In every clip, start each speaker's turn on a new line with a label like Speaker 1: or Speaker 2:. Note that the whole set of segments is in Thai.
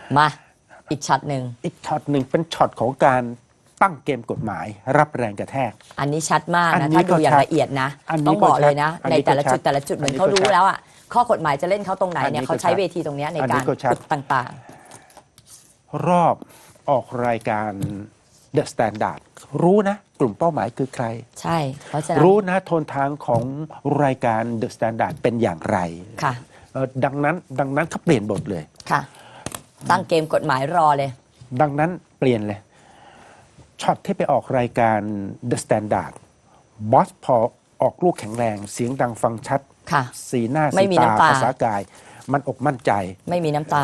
Speaker 1: มาอีกช็อตหนึ่ง
Speaker 2: เป็นช็อตของการตั้งเกมกฎหมายรับแรงกระแทก
Speaker 1: อันนี้ชัดมากนะถ้าดูอย่างละเอียดนะต้องบอกเลยนะในแต่ละจุดเหมือนเขารู้แล้วอ่ะข้อกฎหมายจะเล่นเขาตรงไหนเนี่ยเขาใช้เวทีตรงนี้ในการฝึกต่าง
Speaker 2: ๆรอบออกรายการ The Standard รู้นะกลุ่มเป้าหมายคือใคร
Speaker 1: ใช่เพราะฉะนั้น
Speaker 2: รู้นะโทนทางของรายการ The Standard เป็นอย่างไร
Speaker 1: ค่ะ
Speaker 2: ดังนั้นเขาเปลี่ยนบทเลย
Speaker 1: ค่ะตั้งเกมกฎหมายรอเลย
Speaker 2: ดังนั้นเปลี่ยนเลยช็อตที่ไปออกรายการ The Standard บอสพอออกลูกแข็งแรงเสียงดังฟังชัดสีหน้าสีตาภาษากายมันอกมั่นใจ
Speaker 1: ไม่มีน้ำตา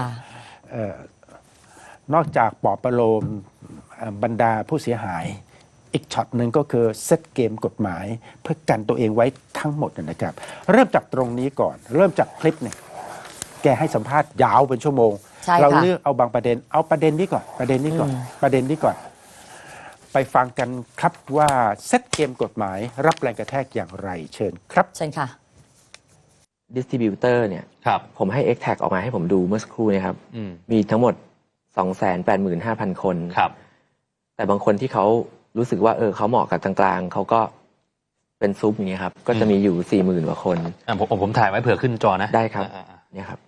Speaker 2: นอกจากปลอบประโลมบรรดาผู้เสียหายอีกช็อตหนึ่งก็คือเซตเกมกฎหมายเพื่อกันตัวเองไว้ทั้งหมดนะครับเริ่มจากตรงนี้ก่อนเริ่มจากคลิปเนี่ยแกให้สัมภาษณ์ยาวเป็นชั่วโมงเราเลือกเอาบางประเด็นเอาประเด็นนี้ก่อนประเด็นนี้ก่อนไปฟังกันครับว่าเซตเกมกฎหมายรับแรงกระแทกอย่างไรเชิญครับ
Speaker 1: เชิญค่ะ
Speaker 3: ดิสติบิวเตอร์เนี่ยผมให้ X-Tag ออกมาให้ผมดูเมื่อสักครู่นะครับมีทั้งหมด 285,000 คนแต่บางคนที่เขารู้สึกว่าเขาเหมาะกับกลางๆเขาก็เป็นซุปอย่างเงี้ยครับก็จะมีอยู่ 40,000 กว่าคน
Speaker 4: ผมถ่ายไว้เผื่อขึ้นจอนะ
Speaker 3: ได้ครับเนี่ยครับ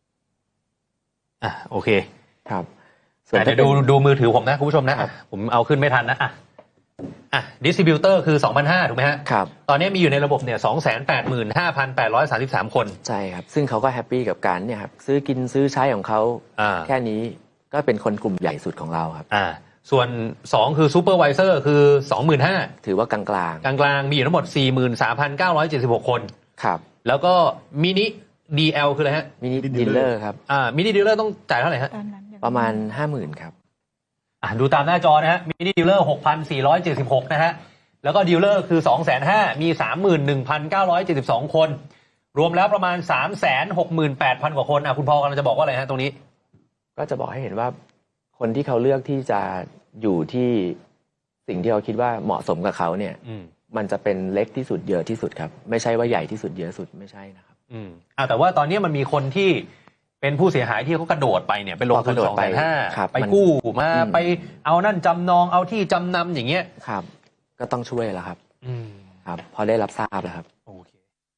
Speaker 4: โอเค
Speaker 3: ครับ
Speaker 4: เดี๋ยวดูมือถือผมนะคุณผู้ชมนะผมเอาขึ้นไม่ทันนะดิสติบิวเตอร์คือ 2,500 ถูกไหมฮะ
Speaker 3: ครับ
Speaker 4: ตอนนี้มีอยู่ในระบบเนี่ย 285,833 คน
Speaker 3: ใช่ครับซึ่งเขาก็แฮปปี้กับการเนี่ยครับซื้อกินซื้อใช้ของเขาแค่นี้ก็เป็นคนกลุ่มใหญ่สุดของเราครับ
Speaker 4: ส่วน2คือซูเปอร์ไวเซอร์คือ 25,000
Speaker 3: ถือว่ากลาง
Speaker 4: ๆมีอยู่ทั้งหมด 43,976 คน
Speaker 3: ครับ
Speaker 4: แล้วก็มินิ DL คืออะไรฮะ
Speaker 3: มินิดีลเลอร์ครับ
Speaker 4: มินิดีลเลอร์ต้องจ่ายเท่าไหร่ฮะ
Speaker 3: ประมาณ 50,000 ครับ
Speaker 4: ดูตามหน้าจอนะฮะมินิดีลเลอร์ 6,476 นะฮะแล้วก็ดีลเลอร์คือ 250,000 มี 31,972 คนรวมแล้วประมาณ 368,000 กว่าคนคุณพอกำลังจะบอกว่าอะไรฮะตรงนี้
Speaker 3: ก็จะบอกให้เห็นว่าคนที่เขาเลือกที่จะอยู่ที่สิ่งที่เขาคิดว่าเหมาะสมกับเขาเนี่ยมันจะเป็นเล็กที่สุดเยอะที่สุดครับไม่ใช่ว่าใหญ่ที่สุดเยอะสุดไม่ใช่นะครับ
Speaker 4: แต่ว่าตอนนี้มันมีคนที่เป็นผู้เสียหายที่เขากระโดดไปเนี่ยไปลงทุน 250,000 ไปกู้มาไปเอานั่นจำนองเอาที่จำนำอย่างเงี้ย
Speaker 3: ครับก็ต้องช่วยแล้วครับครับพอได้รับทราบแล้วครับ
Speaker 4: โอเค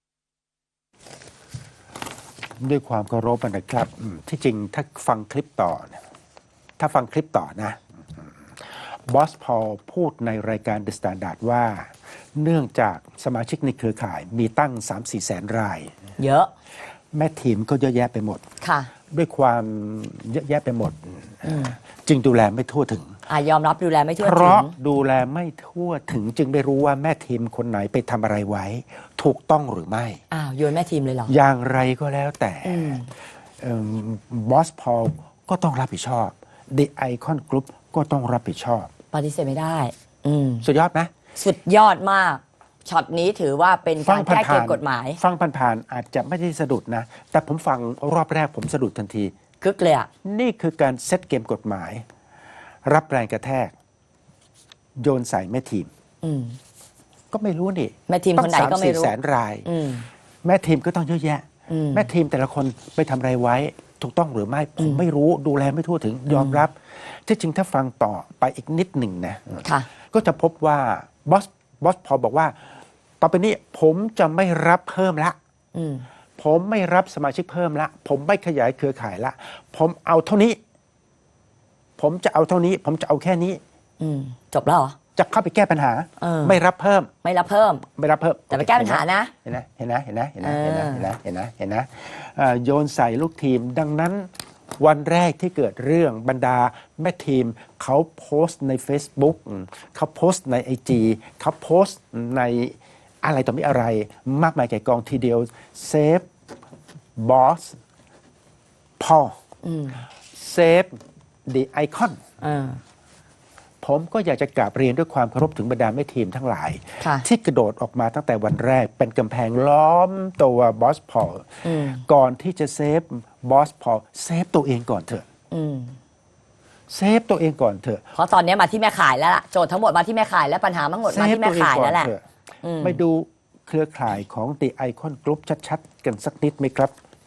Speaker 2: ด้วยความเคารพนะครับที่จริงถ้าฟังคลิปต่อนะบอสพอลพูดในรายการ The Standard ว่าเนื่องจากสมาชิกในเครือข่ายมีตั้ง 3-4 แสนราย
Speaker 1: เยอะ
Speaker 2: แม่ทีมก็เยอะแยะไปหมด
Speaker 1: ค่ะ
Speaker 2: ด้วยความเยอะแยะไปหมดจึงดูแลไม่ทั่วถึง
Speaker 1: ยอมรับดูแลไม่ทั่วถึง
Speaker 2: เพราะดูแลไม่ทั่วถึงจึงไม่รู้ว่าแม่ทีมคนไหนไปทำอะไรไว้ถูกต้องหรือไม่
Speaker 1: โยนแม่ทีมเลยเหรอ
Speaker 2: อย่างไรก็แล้วแต่บอสพอลก็ต้องรับผิดชอบ The Icon Group ก็ต้องรับผิดชอบ
Speaker 1: ปฏิเสธไม่ได้
Speaker 2: สุดยอดไหม
Speaker 1: สุดยอดมากช็อตนี้ถือว่าเป็นการแก้เกมกฎหมาย
Speaker 2: ฟังผ่านๆอาจจะไม่ได้สะดุดนะแต่ผมฟังรอบแรกผมสะดุดทันที
Speaker 1: คึกเลย
Speaker 2: นี่คือการเซตเกมกฎหมายรับแรงกระแทกโยนใส่แม่ทีมก็ไม่รู้นี่
Speaker 1: แม่ทีมคนไหนก็ไม่รู้
Speaker 2: 3-4 แสนรายแม่ทีมก็ต้องเยอะแยะแม่ทีมแต่ละคนไปทำอะไรไว้ถูกต้องหรือไม่ผมไม่รู้ดูแลไม่ทั่วถึงยอมรับที่จริงถ้าฟังต่อไปอีกนิดหนึ่งนะก็จะพบว่าบอสพอบอกว่าต่อไปนี้ผมจะไม่รับเพิ่มละผมไม่รับสมาชิกเพิ่มละผมไม่ขยายเครือข่ายละผมเอาเท่านี้ผมจะเอาเท่านี้ผมจะเอาแค่นี้
Speaker 1: จบแล้วเหรอ
Speaker 2: จะเข้าไปแก้ปัญหาไม่รับเพิ่ม
Speaker 1: แต่ไปแก้ปัญหานะ
Speaker 2: เห็นนะโยนใส่ลูกทีมดังนั้นวันแรกที่เกิดเรื่องบรรดาแม่ทีมเขาโพสต์ใน Facebook เขาโพสต์ใน IG เขาโพสต์ในอะไรต่อมีอะไรมากมายแก่กองทีเดียวเซฟบอสพอเซฟThe Iconผมก็อยากจะกราบเรียนด้วยความเคารพถึงบรรดาแม่ทีมทั้งหลายที่กระโดดออกมาตั้งแต่วันแรกเป็นกำแพงล้อมตัวบอสพอลก่อนที่จะเซฟบอสพอลเซฟตัวเองก่อนเถอะเซฟตัวเองก่อนเถอะ
Speaker 1: เพราะตอนนี้มาที่แม่ขายแล้วล่ะโจทย์ทั้งหมดมาที่แม่ขายและปัญหาทั้งหมดมาที่แม่ขายแล้วแหละ
Speaker 2: ไปดูเครือข่ายของ The Icon Group ชัดๆกันสักนิดไหมครับ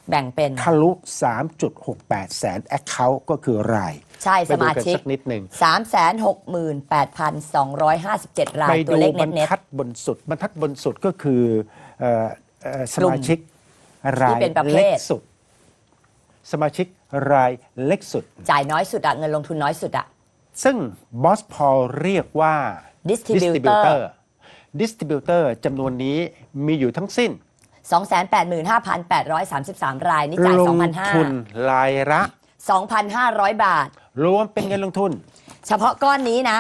Speaker 1: แบ่งเป็น
Speaker 2: ทะลุ 3.68 แสน Account ก็คือราย
Speaker 1: ใช่สมาชิก
Speaker 2: ไปดูกันสักนิดหนึ่ง
Speaker 1: 368,257 ราย
Speaker 2: ไป
Speaker 1: ตัว
Speaker 2: ดู
Speaker 1: เลข
Speaker 2: บรร
Speaker 1: เน็ต
Speaker 2: ทัดบนสุดบรรทัดบนสุดก็คือสมาชิกราย
Speaker 1: ที่เป็นประเภท
Speaker 2: เล็กสุด สมาชิกรายเล็กสุด
Speaker 1: จ่ายน้อยสุดอะเงินลงทุนน้อยสุดอะ
Speaker 2: ซึ่งบอสพอลเรียกว่า
Speaker 1: Distributor
Speaker 2: Distributor จำนวนนี้มีอยู่ทั้งสิ้น
Speaker 1: 285,833 ราย นี่จ่าย
Speaker 2: ลงทุนรายละ
Speaker 1: 2,500 บาท
Speaker 2: รวมเป็นเงินลงทุน
Speaker 1: เฉพาะก้อนนี้นะ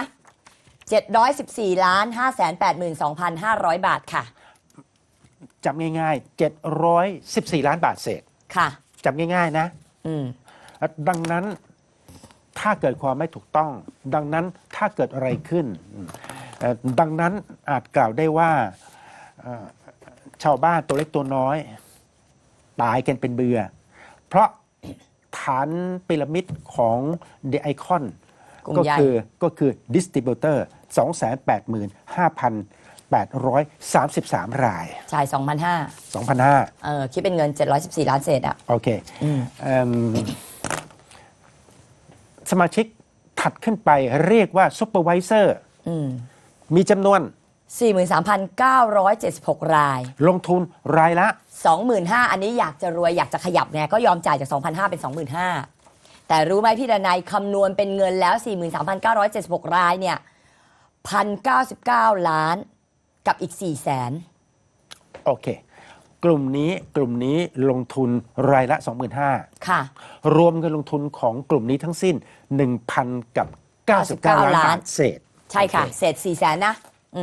Speaker 1: 714,582,500 บาทค่ะ
Speaker 2: จำง่ายๆ 714 ล้านบาทเศษ
Speaker 1: ค่ะ
Speaker 2: จำง่ายๆนะ
Speaker 1: อืม
Speaker 2: ดังนั้นถ้าเกิดความไม่ถูกต้อง ดังนั้นถ้าเกิดอะไรขึ้นดังนั้นอาจกล่าวได้ว่าชาวบ้านตัวเล็กตัวน้อยตายกันเป็นเบื่อ เพราะฐานพีระมิดของ The Icon
Speaker 1: กลุ่ม
Speaker 2: ก็
Speaker 1: ใหญ่
Speaker 2: คือ Distributor 285,833 ราย
Speaker 1: จ่าย 2,500 คิดเป็นเงิน 714 ล้านเศษอะ
Speaker 2: โอเคสมาชิกถัดขึ้นไปเรียกว่า Supervisor มีจำนวน
Speaker 1: 43,976 ราย
Speaker 2: ลงทุนรายละ
Speaker 1: 25,000 อันนี้อยากจะรวยอยากจะขยับไงก็ยอมจ่ายจาก 2,500 เป็น 25,000 แต่รู้ไหมพี่ดนัยคำนวณเป็นเงินแล้ว 43,976 รายเนี่ย 1,099 ล้านกับอีก 400,000
Speaker 2: โอเค กลุ่มนี้ลงทุนรายละ 25,000
Speaker 1: ค่ะ
Speaker 2: รวมเงินลงทุนของกลุ่มนี้ทั้งสิ้น 1,000 กับ 99 ล้านบาทเศษ
Speaker 1: ใช่ค่ะ
Speaker 2: โอเ
Speaker 1: เศษ 400,000 นะ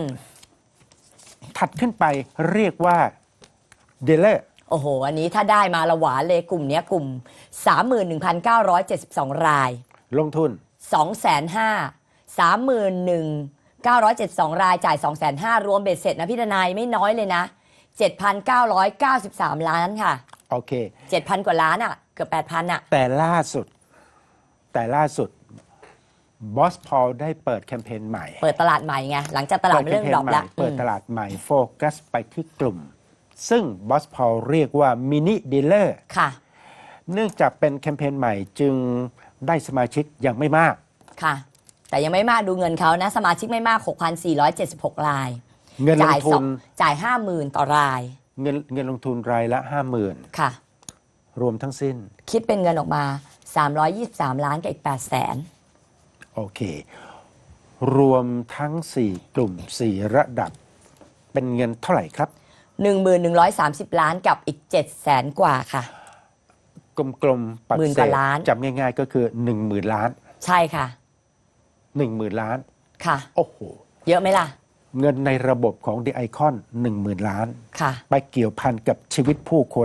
Speaker 2: ถัดขึ้นไปเรียกว่าเดลเลอร์
Speaker 1: โอ้โห อันนี้ถ้าได้มาละหวานเลยกลุ่มเนี้ยกลุ่ม 31,972 ราย
Speaker 2: ลงทุน
Speaker 1: 250,000 31,972 รายจ่าย 250,000 รวมเบ็ดเสร็จนะพี่ดนายไม่น้อยเลยนะ 7,993 ล้านค่ะ
Speaker 2: โอเค
Speaker 1: 7,000 กว่าล้านอ่ะ เกือบ 8,000 อ่ะ
Speaker 2: แต่ล่าสุดบอสพอลได้เปิดแคมเปญใหม่
Speaker 1: เปิดตลาดใหม่ไง หลังจากตลาดเริ่มดรอปแล้ว
Speaker 2: เปิดตลาดใหม่โฟกัสไปที่กลุ่ม ซึ่งบอสพอลเรียกว่ามินิดีลเลอร์
Speaker 1: ค่ะ
Speaker 2: เนื่องจากเป็นแคมเปญใหม่จึงได้สมาชิกยังไม่มาก
Speaker 1: ค่ะ แต่ยังไม่มากดูเงินเขานะ สมาชิกไม่มาก 6,476 ราย
Speaker 2: เงินลงทุน
Speaker 1: จ่าย 50,000 ต่อราย
Speaker 2: เงินลงทุนรายละ 50,000
Speaker 1: ค่ะ
Speaker 2: รวมทั้งสิ้น
Speaker 1: คิดเป็นเงินออกมา 323 ล้านกับอีก 800,000
Speaker 2: โอเค รวมทั้ง 4 กลุ่ม 4 ระดับ เป็นเงินเท่าไหร่ครับ
Speaker 1: 1,130 ล้านกับอีก 700,000 กว่าค่ะ
Speaker 2: กลมๆปัด
Speaker 1: หมื่น
Speaker 2: เศ
Speaker 1: กว่า
Speaker 2: ษ
Speaker 1: ล้าน
Speaker 2: จำง่ายๆก็คือ 10,000 ล้าน
Speaker 1: ใช่ค่ะ
Speaker 2: 10,000 ล้าน
Speaker 1: ค่ะ
Speaker 2: โอ้โห
Speaker 1: เยอะไหมล่ะ
Speaker 2: เงินในระบบของ The Icon 10,000 ล้าน
Speaker 1: ค่ะ
Speaker 2: ไปเกี่ยวพันกับชีวิตผู้คน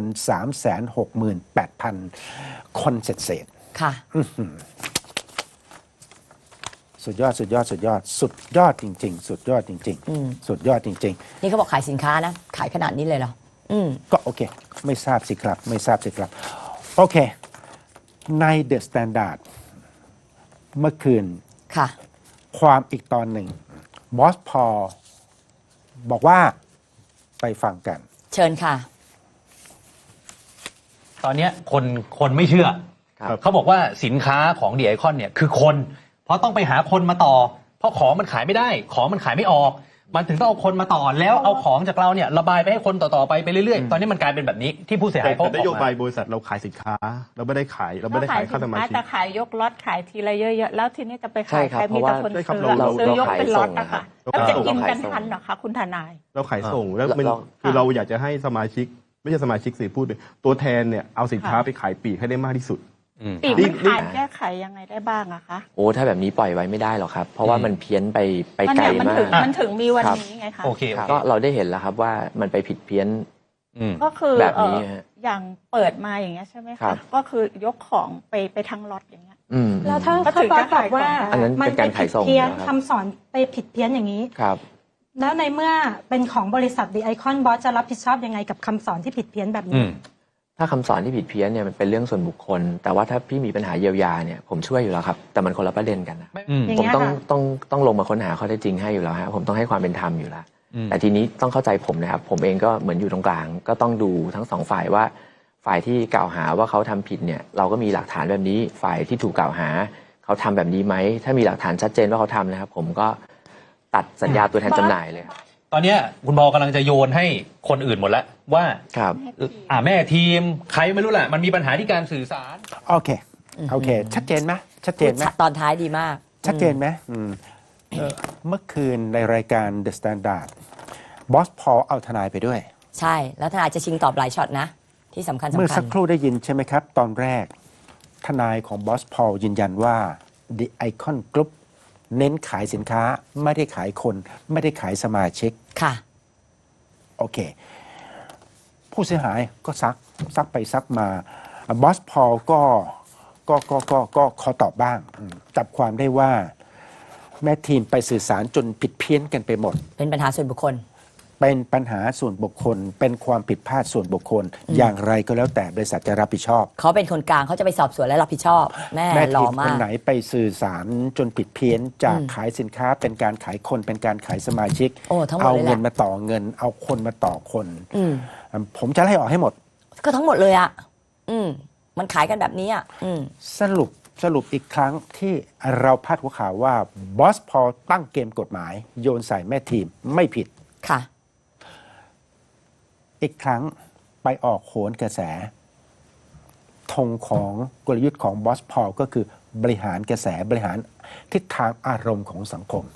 Speaker 2: 368,000 คนเศษ
Speaker 1: ค่ะ
Speaker 2: สุดยอดจริงๆ สุดยอดจริงๆ สุดยอดจริง
Speaker 1: นี่เขาบอกขายสินค้านะ ขายขนาดนี้เลยเหรอ
Speaker 2: ๆ ก็โอเค ไม่ทราบสิครับ โอเค ใน The Standard เมื่อคืน
Speaker 1: ค่ะ
Speaker 2: ความอีกตอนหนึ่งบอสพอลบอกว่าไปฟังกัน
Speaker 1: เชิญค่ะ
Speaker 4: ตอนเนี้ยคนไม่เชื่อ
Speaker 3: ครับ
Speaker 4: เขาบอกว่าสินค้าของดีไอคอนเนี่ยคือคน เพราะต้องไปหาคนมาต่อ เพราะของมันขายไม่ได้ ของมันขายไม่ออก มันถึงต้องเอาคนมาต่อแล้วเอาของจากเราเนี่ยระบายไปให้คนต่อๆไปเรื่อยๆ ตอนนี้มันกลายเป็นแบบนี้ที่ผู้เสียหายเขา
Speaker 5: แต่นโยบาย
Speaker 4: ออกม
Speaker 5: บริษัทเราขายสินค้า เราไม่ได้ขายค่าสมาชิก
Speaker 6: แต่ขายยกล็อตขายทีละเยอะๆแล้วทีนี้จะไป
Speaker 3: ใช่
Speaker 6: ขาย
Speaker 3: ครับ
Speaker 6: ใครมีแต่คน
Speaker 5: ใช่ครับ
Speaker 6: ซื้อ
Speaker 5: เรา
Speaker 6: ซื้อยก
Speaker 3: ขาย
Speaker 6: เป็นล็อต
Speaker 3: ส่ง
Speaker 6: อะค่ะ
Speaker 5: เรา
Speaker 6: แล้วจะกิน
Speaker 3: ขาย
Speaker 6: กัน
Speaker 3: ส่ง
Speaker 6: ทันเหรอคะคุณทนาย
Speaker 5: เราขายส่งแล้วมัน
Speaker 3: เรา
Speaker 5: คือเราอยากจะให้สมาชิก ไม่ใช่สมาชิกสิพูดเลยตัวแทนเนี่ยเอาสินค้าไปขายปลีกให้ได้มากที่สุด
Speaker 6: ปีก
Speaker 5: นี่
Speaker 6: มันขายแก้ไขยังไงได้บ้างอะคะ
Speaker 3: โอ้ถ้าแบบนี้ปล่อยไว้ไม่ได้หรอกครับ เพราะว่ามันเพี้ยนไปไกล
Speaker 6: มัน
Speaker 3: มาก
Speaker 6: มันถึงมีวัน
Speaker 3: ครับ
Speaker 6: นี้ไงคะ
Speaker 4: โอเค
Speaker 3: ก็เราได้เห็นแล้วครับว่ามันไปผิดเพี้ยน
Speaker 6: ก็คือ
Speaker 3: แบบนี้ฮะ
Speaker 6: อย่างเปิดมาอย่างเงี้ยใช่ไหม
Speaker 3: ครั
Speaker 6: คะ
Speaker 3: บ
Speaker 6: ก็คือยกของไปทั้งล็อตอย่างเงี้ย
Speaker 7: แล้วถ้า
Speaker 6: ก็ถือ
Speaker 7: บอส
Speaker 6: จะ
Speaker 7: บ
Speaker 6: ขา
Speaker 7: อย กว่า
Speaker 6: ของ
Speaker 3: อันนั้น
Speaker 7: มั
Speaker 3: เป็นการ
Speaker 7: ไป
Speaker 3: ขาย
Speaker 7: ผิด
Speaker 3: ส่ง
Speaker 7: เพี้ยน
Speaker 3: นะครับ
Speaker 7: คำสอนไปผิดเพี้ยนอย่างนี้
Speaker 3: ครับ
Speaker 7: แล้วในเมื่อเป็นของบริษัท The Icon บอสจะรับผิดชอบยังไงกับคำสอนที่ผิดเพี้ยนแบบนี้
Speaker 3: ถ้าคำสอนที่ผิดเพี้ยนเนี่ยมันเป็นเรื่องส่วนบุคคล แต่ว่าถ้าพี่มีปัญหาเยียวยาเนี่ยผมช่วยอยู่แล้วครับ แต่มันคนละประเด็นกันนะ
Speaker 7: อย่าง
Speaker 3: ผม
Speaker 7: เงี้ย
Speaker 3: ต้อง
Speaker 7: ค่ะ
Speaker 3: ต้องลงมาค้นหาข้อเท็จจริงให้อยู่แล้วฮะผมต้องให้ความเป็นธรรมอยู่แล้ว แต่ทีนี้ต้องเข้าใจผมนะครับ ผมเองก็เหมือนอยู่ตรงกลาง ก็ต้องดูทั้งสองฝ่ายว่าฝ่ายที่กล่าวหาว่าเขาทำผิดเนี่ยเราก็มีหลักฐานแบบนี้ฝ่ายที่ถูกกล่าวหาเขาทำแบบนี้ไหมถ้ามีหลักฐานชัดเจนว่าเขาทำนะครับผมก็ตัดสัญญาตัวแทนจำหน่ายเลย
Speaker 4: ตอนเนี้ยคุณบอลกำลังจะโยนให้คนอื่นหมดแล้วว่า
Speaker 3: ครับ
Speaker 4: แม่ทีมใครไม่รู้แหละมันมีปัญหาที่การสื่อสาร
Speaker 2: โอเคโอเค ชัดเจนไหมชัดเจนไหม
Speaker 1: ตอนท้ายดีมาก
Speaker 2: ชัดเจนไหมเมื่อคืนในรายการ The Standard บอสพอลเอาทนายไปด้วย
Speaker 1: ใช่ แล้วทนายจะชิงตอบหลายช็อตนะ ที่สำคัญ
Speaker 2: เมื่อ
Speaker 1: สำคั
Speaker 2: สั
Speaker 1: ญ
Speaker 2: กครู่ได้ยินใช่ไหมครับ ตอนแรก ทนายของบอสพอลยืนยันว่า The Icon Group เน้นขายสินค้าไม่ได้ขายคน ไม่ได้ขายสมาชิก
Speaker 1: ค่ะ
Speaker 2: โอเค ผู้เสียหายก็ซักไปซักมาบอสพอลก็ขอตอบบ้างจับความได้ว่า แม่ทีมไปสื่อสารจนผิดเพี้ยนกันไปหมด
Speaker 1: เป็นปัญหาส่วนบุคคล
Speaker 2: เป็นปัญหาส่วนบุคคล เป็นความผิดพลาดส่วนบุคคล อย่างไรก็แล้วแต่บริษัทจะรับผิดชอบ
Speaker 1: เขาเป็นคนกลางเขาจะไปสอบสวนและรับผิดชอบ แม่หล่
Speaker 2: ที
Speaker 1: อ
Speaker 2: ม
Speaker 1: มา
Speaker 2: คน
Speaker 1: ก
Speaker 2: ไหนไปสื่อสารจนผิดเพี้ยนจากขายสินค้าเป็นการขายคนเป็นการขายสมาชิก
Speaker 1: โอ้ทั้งหมด
Speaker 2: เอา
Speaker 1: เลยแห
Speaker 2: เงิ
Speaker 1: ละ
Speaker 2: นมาต่อเงิน เอาคนมาต่อคน
Speaker 1: อืม
Speaker 2: ผมจะไล่ออกให้หมด
Speaker 1: ก็ทั้งหมดเลยอ่ะ มันขายกันแบบนี้อ่ะ
Speaker 2: สรุปอีกครั้งที่เราพาดหัวข่าวว่าบอสพอตั้งเกมกฎหมาย โยนใส่แม่ทีมไม่ผิด
Speaker 1: ค่ะ
Speaker 2: อีกครั้งไปออกโหนกระแสธงของกลยุทธ์ของบอสพอลก็คือบริหารกระแสบริหารทิศทางอารมณ์ของสังคม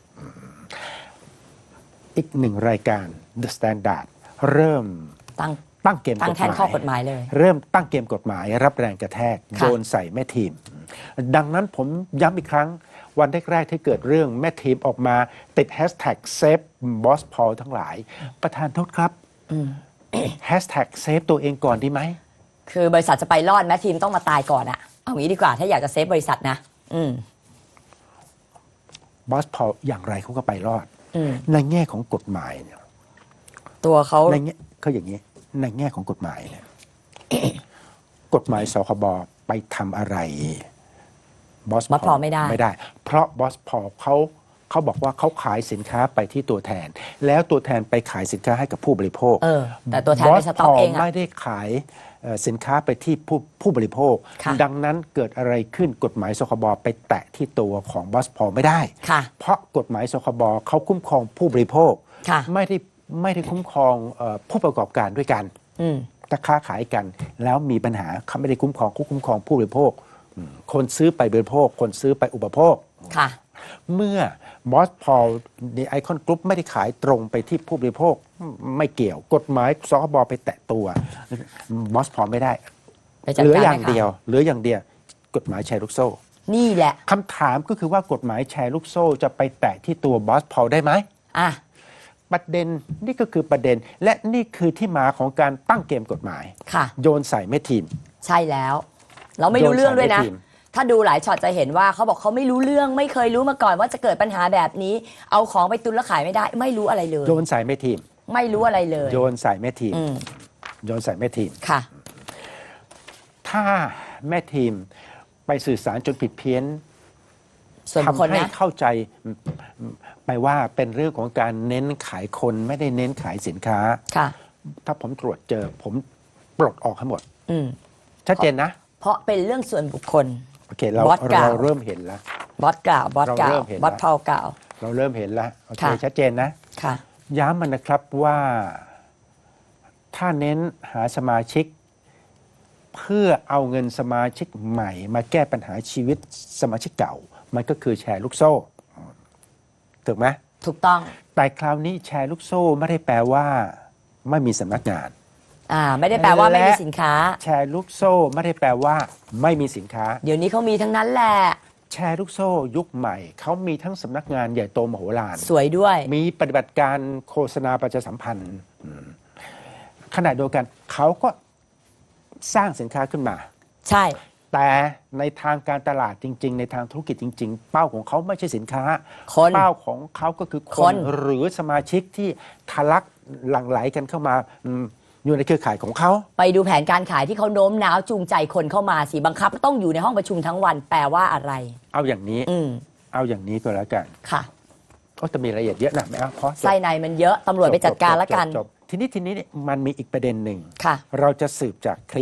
Speaker 2: อีกหนึ่งรายการ The Standard เริ่มตั้งเกมกฎหมาย
Speaker 1: ตั้งแทนข้อกฎหมายเลย
Speaker 2: เริ่มตั้งเกมกฎหมายรับแรงกระแทก
Speaker 1: ค่ะ
Speaker 2: โยนใส่แม่ทีม ดังนั้นผมย้ำอีกครั้ง วันแรกๆที่เกิดเรื่องแม่ทีมออกมาติดแฮชแท็กเซฟบอสพอลทั้งหลาย ประธานโทษครับแฮชแท็กเซฟตัวเองก่อนดีไหม
Speaker 1: คือบริษัทจะไปรอดแม้ทีมต้องมาตายก่อนอ่ะ เอางี้ดีกว่าถ้าอยากจะเซฟบริษัทนะ
Speaker 2: บอสพอลอย่างไรเขาก็ไปรอด
Speaker 1: อืม
Speaker 2: ในแง่ของกฎหมายเนี่ย
Speaker 1: ตัวเขา
Speaker 2: ในแง่เขาอย่างนี้ในแง่ของกฎหมายเนี่ย กฎหมายสคบไปทำอะไรบอส
Speaker 1: พอไม่ได้
Speaker 2: ไม่ได้ เพราะบอสพอเขาบอกว่าเขาขายสินค้าไปที่ตัวแทน แล้วตัวแทนไปขายสินค้าให้กับผู้บริโภค
Speaker 1: แต่ตัวแทนไปสต็อกเอง
Speaker 2: บสพ
Speaker 1: อ่ะ
Speaker 2: ไม่ได้ขายสินค้าไปที่ผู้บริโภค
Speaker 1: ค่ะ
Speaker 2: ดังนั้นเกิดอะไรขึ้นกฎหมายสคบไปแตะที่ตัวของบอสพอไม่ได้
Speaker 1: ค่ะ
Speaker 2: เพราะกฎหมายสคบเขาคุ้มครองผู้บริโภค
Speaker 1: ค่ะ
Speaker 2: ไม่ได้คุ้มครองผู้ประกอบการด้วยกัน ถ้าค้าขายกันแล้วมีปัญหาเขาไม่ได้คุ้มครองคุ้มครองผู้บริโภคคนซื้อไปบริโภค คนซื้อไปอุปโภค
Speaker 1: ค่ะ
Speaker 2: เมื่อบอสพอลในไอคอนกรุ๊ปไม่ได้ขายตรงไปที่ผู้บริโภคไม่เกี่ยวกฎหมายสคบไปแตะตัวบอสพอลไม่ได้
Speaker 1: ไปจัด
Speaker 2: เหลือ
Speaker 1: การ
Speaker 2: อย่าง
Speaker 1: ให้เขา
Speaker 2: เดียวเหลืออย่างเดียวกฎหมายแชร์ลูกโซ่
Speaker 1: นี่แหละ
Speaker 2: คำถามก็คือว่ากฎหมายแชร์ลูกโซ่จะไปแตะที่ตัวบอสพอลได้ไหม
Speaker 1: อ่ะ
Speaker 2: ประเด็นนี่ก็คือประเด็นและนี่คือที่มาของการตั้งเกมกฎหมาย
Speaker 1: ค่ะ
Speaker 2: โยนใส่แม่ทีม
Speaker 1: ใช่แล้ว เราไม่รู้เรื่องด้วยนะ
Speaker 2: โยนใส่ในทีม
Speaker 1: ถ้าดูหลายช็อตจะเห็นว่าเขาบอกเขาไม่รู้เรื่องไม่เคยรู้มาก่อนว่าจะเกิดปัญหาแบบนี้ เอาของไปตุนแล้วขายไม่ได้ ไม่รู้อะไรเลย
Speaker 2: โยนใส่แม่ทีม
Speaker 1: ไม่รู้อะไรเลย
Speaker 2: โยนใส่แม่ทีม
Speaker 1: อืม
Speaker 2: โยนใส่แม่ทีม
Speaker 1: ค่ะ
Speaker 2: ถ้าแม่ทีมไปสื่อสารจนผิดเพี้ยน
Speaker 1: ส่วนบุคคล
Speaker 2: ทำให้
Speaker 1: นะ
Speaker 2: เข้าใจไปว่าเป็นเรื่องของการเน้นขายคนไม่ได้เน้นขายสินค้า
Speaker 1: ค่ะ
Speaker 2: ถ้าผมตรวจเจอผมปลดออกให้หมด
Speaker 1: อืม
Speaker 2: ชัดเจนนะ
Speaker 1: เพราะเป็นเรื่องส่วนบุคคล
Speaker 2: โอเคเรา
Speaker 1: บอสกล่าว
Speaker 2: เริ่มเห็นแล้ว
Speaker 1: บอสกล่าวบอสกล่า
Speaker 2: เราเริ่
Speaker 1: ว
Speaker 2: มเห็น
Speaker 1: บอส
Speaker 2: แล้ว
Speaker 1: พาวกล่าว
Speaker 2: เราเริ่มเห็นแล้วโอเค
Speaker 1: ค่ะ
Speaker 2: ชัดเจนนะ
Speaker 1: ค่ะ
Speaker 2: ย้ำมันนะครับว่าถ้าเน้นหาสมาชิก เพื่อเอาเงินสมาชิกใหม่มาแก้ปัญหาชีวิตสมาชิกเก่า มันก็คือแชร์ลูกโซ่ถูกไหม
Speaker 1: ถูกต้อง
Speaker 2: แต่คราวนี้แชร์ลูกโซ่ไม่ได้แปลว่าไม่มีสำนักงาน
Speaker 1: ไม่ได้แปลว่าไม่มีสินค้า
Speaker 2: แชร์ลูกโซ่ไม่ได้แปลว่าไม่มีสินค้า
Speaker 1: เดี๋ยวนี้เขามีทั้งนั้นแหละ
Speaker 2: แชร์ลูกโซ่ยุคใหม่เขามีทั้งสำนักงานใหญ่โตมโหฬาร
Speaker 1: สวยด้วย
Speaker 2: มีปฏิบัติการโฆษณาประชาสัมพันธ์ขณะเดียวกันเขาก็สร้างสินค้าขึ้นมา
Speaker 1: ใช่
Speaker 2: แต่ในทางการตลาดจริง ๆ ในทางธุรกิจจริง ๆ เป้าของเขาไม่ใช่สินค้า
Speaker 1: คน
Speaker 2: เป้าของเขาก็คือค
Speaker 1: คน น
Speaker 2: หรือสมาชิกที่ทะลักหลั่งไหลกันเข้ามาอยู่ในเครือข่ายของเขา
Speaker 1: ไปดูแผนการขายที่เขาโน้มน้าวจูงใจคนเข้ามาสิบังคับต้องอยู่ในห้องประชุมทั้งวันแปลว่าอะไร
Speaker 2: เอาอย่างนี้ เอาอย่างนี้ก็แล้วกัน
Speaker 1: ค่ะ
Speaker 2: ก็จะมีรายละเอียดเยอะนะไม่เอาเพราะจบ
Speaker 1: ไส้ในมันเยอะตำรวจไปจัดการแล้วกัน
Speaker 2: จบทีนี้เนี่ยมันมีอีกประเด็นหนึ่ง
Speaker 1: ค่ะ
Speaker 2: เราจะสืบจากคลิป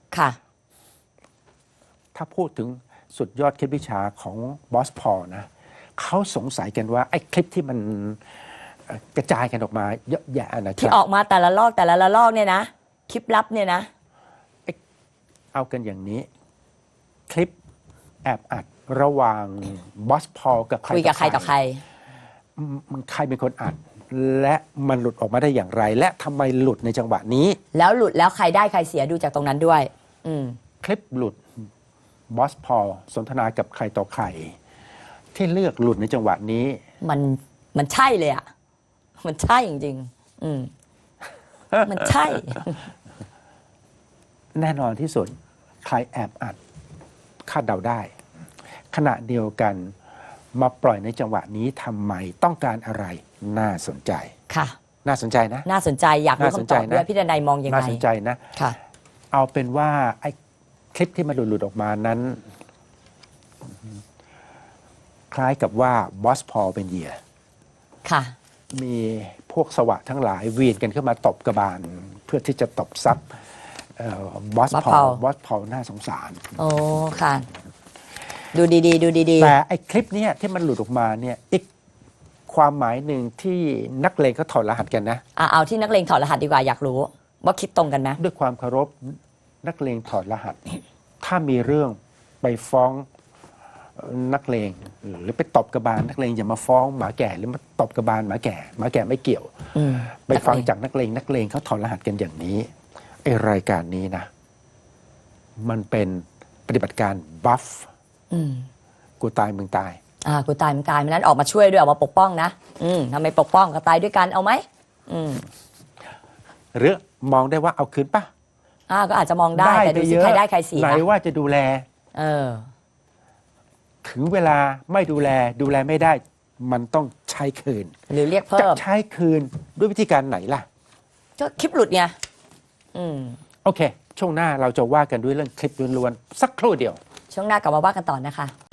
Speaker 1: ค่ะ
Speaker 2: ถ้าพูดถึงสุดยอดคลิปวิชาของบอสพอลนะเขาสงสัยกันว่าไอ้คลิปที่มันกระจายกันออกมาเยอะแยะนะค
Speaker 1: ที่
Speaker 2: รับ
Speaker 1: ออกมาแต่ละลอกเนี่ยนะคลิปลับเนี่ยนะ
Speaker 2: เอากันอย่างนี้ คลิปแอบอัดระหว่างบอสพอลกับใคร
Speaker 1: คุยกับใครต่อใคร
Speaker 2: มันใครเป็นคนอัด และมันหลุดออกมาได้อย่างไร และทำไมหลุดในจังหวะนี้
Speaker 1: แล้วหลุดแล้วใครได้ใครเสียดูจากตรงนั้นด้วย อืม
Speaker 2: คลิปหลุดบอสพอลสนทนากับใครต่อใคร ที่เลือกหลุดในจังหวะนี้
Speaker 1: มันใช่เลยอ่ะ มันใช่จริงๆอืม มันใช่
Speaker 2: แน่นอนที่สุดใครแอบอัดคาดเดาได้ ขณะเดียวกันมาปล่อยในจังหวะนี้ทำไมต้องการอะไรน่าสนใจ
Speaker 1: ค่ะ
Speaker 2: น่าสนใจนะ
Speaker 1: น่าสนใจอยากรู้คำตอบด้วยพี่ดนัยมองยังไง
Speaker 2: น่าสนใจนะ
Speaker 1: ค่ะ
Speaker 2: เอาเป็นว่าไอ้คลิปที่มันหลุดออกมานั้น คล้ายกับว่าบอสพอลเป็นเหยื่อ
Speaker 1: ค่ะ
Speaker 2: มีพวกสวะทั้งหลายเวียนกันเข้ามาตบกระบาล เพื่อที่จะตบซับบอสพอล
Speaker 1: Paul
Speaker 2: บอสพอลน่าสงสาร
Speaker 1: โอ้ค่ะ ดูดีๆดูดี
Speaker 2: แต่ไอ้คลิปเนี้ยที่มันหลุดออกมาเนี่ยอีกความหมายหนึ่งที่นักเลงเขาถอดรหัสกันนะ
Speaker 1: เอาที่นักเลงถอดรหัสดีกว่าอยากรู้ ว่าคิดตรงกันไหม
Speaker 2: ด้วยความเคารพนักเลงถอดรหัส ถ้ามีเรื่องไปฟ้องนักเลงหรือไปตบกระบาลนักเลงอย่ามาฟ้องหมาแก่หรือมาตบกระบาลหมาแก่ไม่เกี่ยว
Speaker 1: อืม
Speaker 2: ไปฟังจากนักเลงเขาถอดรหัสกันอย่างนี้ไอรายการนี้นะ มันเป็นปฏิบัติการบัฟ
Speaker 1: อืม
Speaker 2: กูตายมึงตาย
Speaker 1: กูตายมันตายมันนั้นออกมาช่วยด้วยออกมาปกป้องนะทำไมปกป้องก็ตายด้วยกันเอาไหม
Speaker 2: หรือมองได้ว่าเอาคืนปะ
Speaker 1: ก็อาจจะมองได้แต่ดูสิ
Speaker 2: ปเยอะ
Speaker 1: ใครได้ใครเสีย
Speaker 2: ไหนว่าจะดูแล
Speaker 1: เออ
Speaker 2: ถึงเวลาไม่ดูแลไม่ได้ มันต้องใช้คืน
Speaker 1: หรือเรียก
Speaker 2: จะ
Speaker 1: เพิ่ม
Speaker 2: ใช้คืนด้วยวิธีการไหนล่ะ
Speaker 1: ก็คลิปหลุดไง
Speaker 2: โอเค ช่วงหน้าเราจะว่ากันด้วยเรื่องคลิปล้วนๆสักครู่เดียว
Speaker 1: ช่วงหน้ากลับมาว่ากันต่อนะคะ